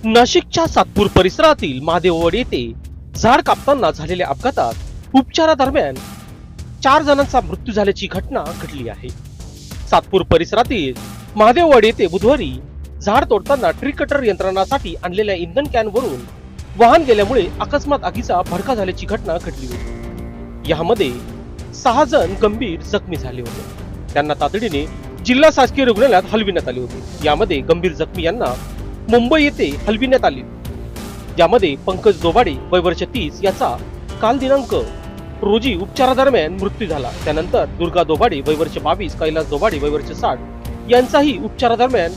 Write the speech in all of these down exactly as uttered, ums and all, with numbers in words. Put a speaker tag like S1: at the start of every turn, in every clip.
S1: नाशिकच्या सातपूर परिसरातील महादेववाडी येथे झाड कापताना झालेल्या अपघातात उपचारादरम्यान चार जणांचा मृत्यू झाल्याची घटना घडली आहे. सातपूर परिसरातील महादेववाडी येथे बुधवारी झाड तोडताना ट्री कटर यंत्रणासाठी आणलेल्या इंधन कॅन वरून वाहन गेल्यामुळे अकस्मात आगीचा भडका झाल्याची घटना घडली होती. यामध्ये सहा जण गंभीर जखमी झाले होते. त्यांना तातडीने जिल्हा शासकीय रुग्णालयात हलविण्यात आले होते. यामध्ये गंभीर जखमी यांना मुंबई येथे हलविण्यात आले. यामध्ये पंकज दोबाडे वय वर्ष तीस याचा काल दिनांक रोजी उपचारादरम्यान मृत्यू झाला. त्यानंतर दुर्गा दोबाडे वय वर्ष बावीस, कैलास दोबाडे वय वर्ष साठ यांचाही उपचारादरम्यान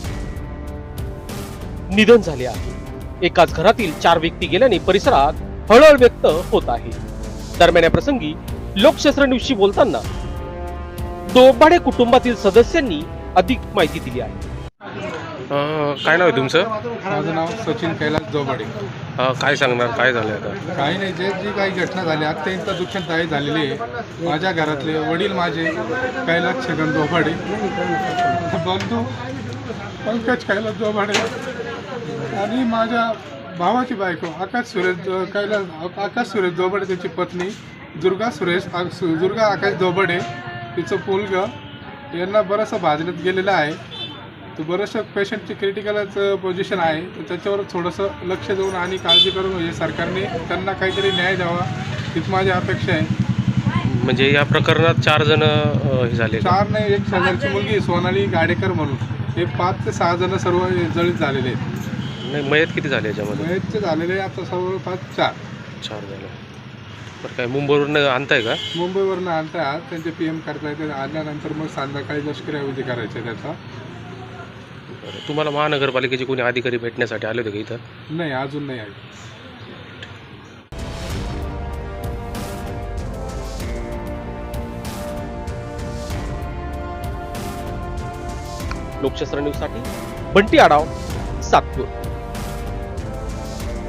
S1: निधन झाले आहे. एकाच घरातील चार व्यक्ती गेल्याने परिसरात हळहळ व्यक्त होत आहे. दरम्यान या प्रसंगी लोकशास्त्र न्यूजशी बोलताना दोबाडे कुटुंबातील सदस्यांनी अधिक माहिती दिली आहे.
S2: काय नाव आहे तुमचं?
S3: माझं नाव सचिन कैलास दोबाडे.
S2: अ, काय सांगणार, काय झालं आता?
S3: काही नाही, जे जी काही घटना झाली अत्यंत दुःखदायी झालेली आहे. माझ्या घरातले वडील माझे कैलास छगन दोबाडे, बंधू पंकज कैलास दोबाडे आणि माझ्या भावाची बायको आकाश सुरेश कैलास आकाश सुरेश दोबाडे, त्याची पत्नी दुर्गा सुरेश दुर्गा आकाश दोबाडे, तिचं मुलगा यांना बरंचसं भाजण्यात गेलेलं आहे. तर बरंचसं पेशंटची क्रिटिकलच पोझिशन आहे. तर त्याच्यावर थोडंसं लक्ष देऊन आणि काळजी करून म्हणजे सरकारने त्यांना काहीतरी न्याय द्यावा हीच माझी अपेक्षा आहे.
S2: म्हणजे या प्रकरणात चार जण हे झाले का?
S3: चार नाही, एक शेजारची मुलगी सोनाली गाडेकर म्हणून, हे पाच ते सहा जण सर्व जळीत झालेले आहेत.
S2: नाही, मयत किती झाले याच्यामध्ये?
S3: मयतचे झालेले आता सर्व पाच चार
S2: चार झाले. बरं, काय मुंबईवरून आणताय का?
S3: मुंबईवरनं आणतात, त्यांचे पी एम करता येते. आल्यानंतर मग संध्याकाळी लष्करी अवधी करायचे त्याचा.
S2: बरं, तुम्हाला महानगरपालिकेचे कोणी अधिकारी भेटण्यासाठी आले होते का इथं?
S3: नाही, अजून नाही आहे.
S1: लोकशास्त्र न्यूज साठी बंटी आढाव, सातपूर.